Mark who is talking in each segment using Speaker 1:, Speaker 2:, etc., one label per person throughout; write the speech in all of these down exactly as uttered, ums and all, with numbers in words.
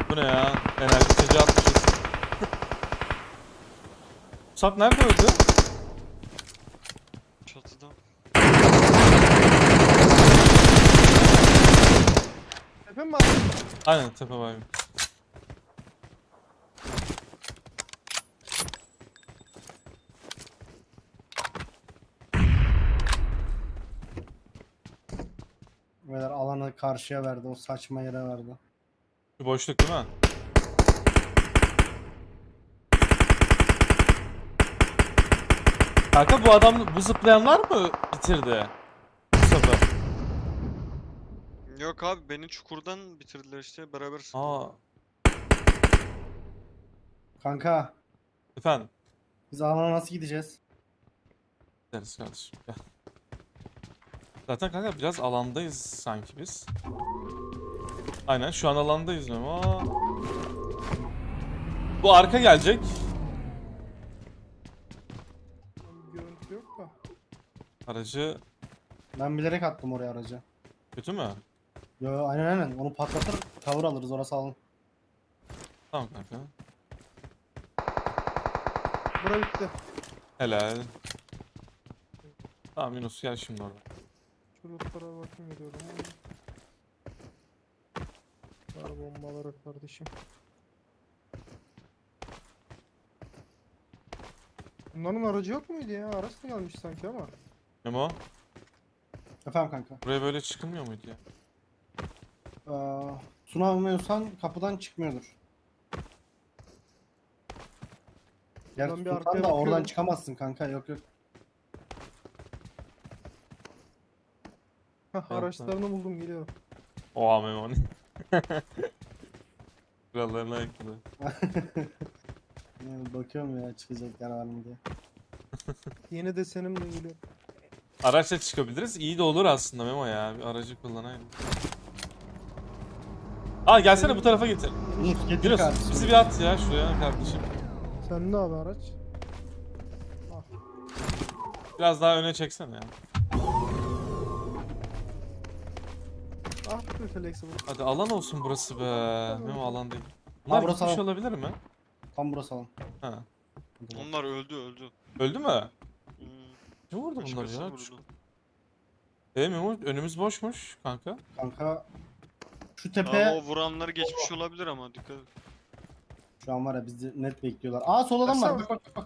Speaker 1: Bu ne ya? Enerji içeceği atmışız. Musab nerede öldü?
Speaker 2: Çatıda.
Speaker 3: Tepe mi var?
Speaker 1: Aynen tepe var.
Speaker 4: Beyler alanı karşıya verdi. O saçma yere verdi.
Speaker 1: Bir boşluk değil mi? Kanka bu adam, bu zıplayanlar mı bitirdi? Musab'ı.
Speaker 2: Yok abi beni çukurdan bitirdiler işte beraber sıktık.
Speaker 1: Aa,
Speaker 4: Kanka
Speaker 1: efendim.
Speaker 4: biz alana nasıl gideceğiz?
Speaker 1: Deriz kardeşim. Gel. Zaten kanka biraz alandayız sanki biz. Aynen şu an alandayız ama bu arka gelecek.
Speaker 3: Görüntü yok da.
Speaker 1: Aracı
Speaker 4: Ben bilerek attım oraya aracı.
Speaker 1: kötü mü?
Speaker 4: Yo yo, aynen aynen. Onu patlatır tavır alırız, orası alın.
Speaker 1: Tamam kanka.
Speaker 3: Bura bitti.
Speaker 1: Helal. Tamam Yunus gel şimdi orada.
Speaker 3: Şu lootlara bakayım ediyorum. Var bombaları kardeşim. Bunların aracı yok muydu ya? Araç da gelmiş sanki ama.
Speaker 1: Memo
Speaker 4: Efendim kanka.
Speaker 1: buraya böyle çıkılmıyor muydu ya?
Speaker 4: Ee, sunamıyorsan kapıdan çıkmıyordur. Gerçi
Speaker 3: Ben bir
Speaker 4: Sultan
Speaker 3: arkaya
Speaker 4: da oradan
Speaker 3: bakıyorum.
Speaker 4: çıkamazsın kanka, yok yok.
Speaker 3: Hah, araçlarını buldum, geliyor.
Speaker 1: Oha Memo. Kurallarına aykırı.
Speaker 4: Yani bakıyorum ya çıkacak yer var mı diye.
Speaker 3: Yeni desenim de geliyor.
Speaker 1: Araçla çıkabiliriz. İyi de olur aslında Memo ya. Bir aracı kullanayım. Aa gelsene bu tarafa getir.
Speaker 4: Yunus getir
Speaker 1: Yunus
Speaker 4: kardeşim.
Speaker 1: bizi bir at ya şuraya kardeşim.
Speaker 3: Sen ne abi araç?
Speaker 1: Biraz daha öne çeksene ya.
Speaker 3: Ah be flexible.
Speaker 1: Hadi alan olsun burası be. Memo alan değil. Bunlar
Speaker 4: burası
Speaker 1: gitmiş
Speaker 4: alan.
Speaker 1: olabilir mi?
Speaker 4: Tam burası alın.
Speaker 1: Ha.
Speaker 2: Onlar öldü öldü.
Speaker 1: Öldü mü?
Speaker 2: Hmm.
Speaker 1: Ne vurdu bunlar
Speaker 2: Başkası
Speaker 1: ya?
Speaker 2: vurdu.
Speaker 1: E Memo önümüz boşmuş kanka.
Speaker 4: Kanka şu
Speaker 2: Ama
Speaker 4: tepe
Speaker 2: o vuranlar geçmiş olabilir ama dikkat et.
Speaker 4: şu an var ya bizi net bekliyorlar. Aa sol adam var. Bak bak bak.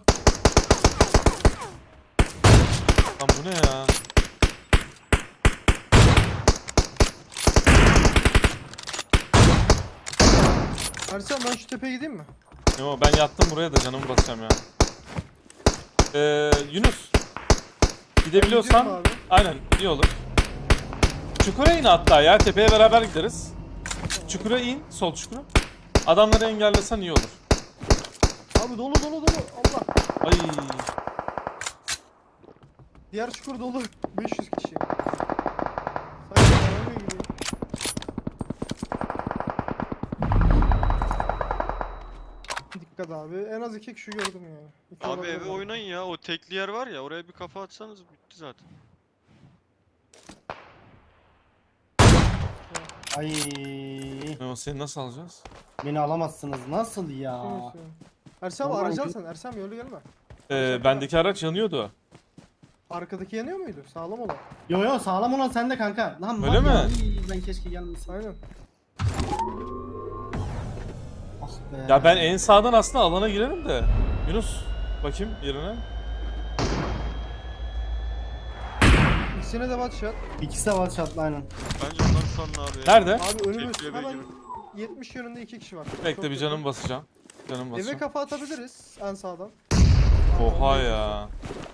Speaker 1: Lan bu ne ya?
Speaker 3: Ersan ben şu tepeye gideyim mi?
Speaker 1: Memo ben yattım buraya da canımı basacağım ya. Ee, Yunus. Gidebiliyorsan
Speaker 3: Gidiyorum abi.
Speaker 1: aynen iyi olur. Çukura in hatta ya, tepeye beraber gideriz. Çukura in, sol çukura. Adamları engellesen iyi olur.
Speaker 3: Abi dolu dolu dolu. Allah.
Speaker 1: Ay.
Speaker 3: Diğer çukur dolu. beş yüz kişi. Sanki aramaya gidiyor. Dikkat abi. En az iki kişi gördüm yani. İki
Speaker 2: Abi
Speaker 3: olabilir
Speaker 2: eve
Speaker 3: belki.
Speaker 2: oynayın ya, o tekli yer var ya, oraya bir kafa atsanız bitti zaten.
Speaker 4: Ay
Speaker 1: Memo seni nasıl alacağız?
Speaker 4: beni alamazsınız. Nasıl ya?
Speaker 3: Neyse. Ersan abi
Speaker 4: Vallahi
Speaker 3: aracı al
Speaker 4: ki-
Speaker 3: sen. Ersan abi yolu gelme.
Speaker 1: Ee, bendeki araç yanıyordu.
Speaker 3: Arkadaki yanıyor muydu? Sağlam olan.
Speaker 4: Yo yo sağlam olan sende kanka. Lan
Speaker 1: Öyle
Speaker 4: var ya,
Speaker 1: mi?
Speaker 4: iyi, ben keşke gelmeseydim.
Speaker 3: Aynen.
Speaker 4: Ah be.
Speaker 1: Ya ben en sağdan aslında alana girerim de. Yunus bakayım yerine.
Speaker 3: İkisine de bat shot.
Speaker 4: İkisi de var çatlı aynen.
Speaker 2: Bence onları salın abi.
Speaker 1: Nerede?
Speaker 3: Abi önümüz
Speaker 2: Tekli eve
Speaker 3: hemen
Speaker 2: girin.
Speaker 3: yetmiş yönünde iki kişi var.
Speaker 1: Bekle
Speaker 3: Çok
Speaker 1: bir
Speaker 3: yakın.
Speaker 1: canım basacağım. Canım
Speaker 3: Eve
Speaker 1: basacağım.
Speaker 3: kafa atabiliriz en sağdan.
Speaker 1: Oha ya.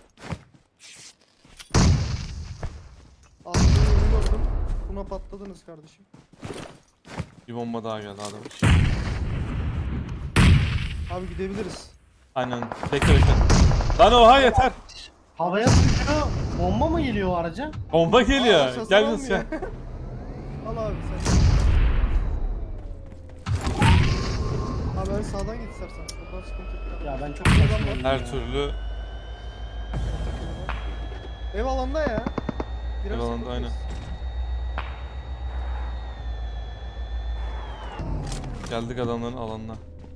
Speaker 3: Aslında yeni gördüm. Buna patladınız kardeşim.
Speaker 1: Bir bomba daha geldi adam.
Speaker 3: Abi gidebiliriz.
Speaker 1: Aynen. Bekle bekle. Lan oha yeter.
Speaker 4: Havaya sıkıyor. Bomba mı geliyor o araca?
Speaker 1: Bomba
Speaker 3: Aa,
Speaker 1: geliyor.
Speaker 3: sasar
Speaker 1: Gel Yunus
Speaker 3: olmuyor.
Speaker 1: gel.
Speaker 3: Al abi sen. Abi ben sağdan git istersen. Oradan sıkıntı yok.
Speaker 4: Ya ben çok
Speaker 3: Adam
Speaker 4: saçmalıyım
Speaker 1: Her
Speaker 4: ya.
Speaker 1: türlü
Speaker 3: Ev alanda ya. Girersek
Speaker 1: Ev alanda,
Speaker 3: bakarız.
Speaker 1: aynen. Geldik adamların alanına.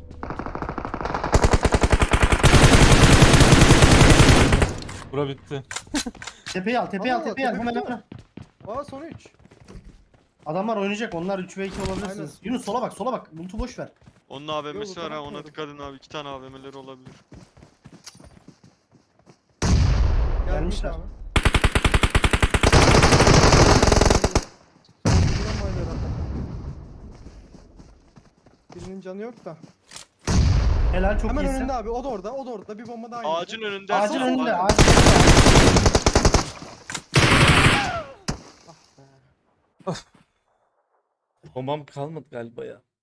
Speaker 1: Bura bitti.
Speaker 4: Tepeyi al, tepeyi al,
Speaker 3: Allah Allah,
Speaker 4: tepeyi al.
Speaker 3: tepe
Speaker 4: Hemen
Speaker 3: bitti
Speaker 4: hemen.
Speaker 3: Aa son üç.
Speaker 4: Adamlar oynayacak. Onlar üç ve iki olabilirsiniz.
Speaker 3: Aynen.
Speaker 4: Yunus sola bak, sola bak. Bulut'u boş ver.
Speaker 2: Onun A V M'si
Speaker 3: Yok,
Speaker 2: var ha, ona
Speaker 3: bakmadım.
Speaker 2: dikkat edin abi. İki tane A V M'leri olabilir.
Speaker 3: Gelmiş
Speaker 4: Gelmişler.
Speaker 3: abi. Son vuramaydı herhalde. Birinin canı yok da.
Speaker 4: Helal, çok
Speaker 3: Hemen
Speaker 4: iyisin.
Speaker 3: önünde abi. O da orada. O da orada. Bir bomba daha indi.
Speaker 2: Ağacın önünde.
Speaker 4: Ağacın
Speaker 2: Ersin,
Speaker 4: önünde.
Speaker 2: ağacın-
Speaker 4: Ağacın önünde.
Speaker 1: Bombam kalmadı galiba ya.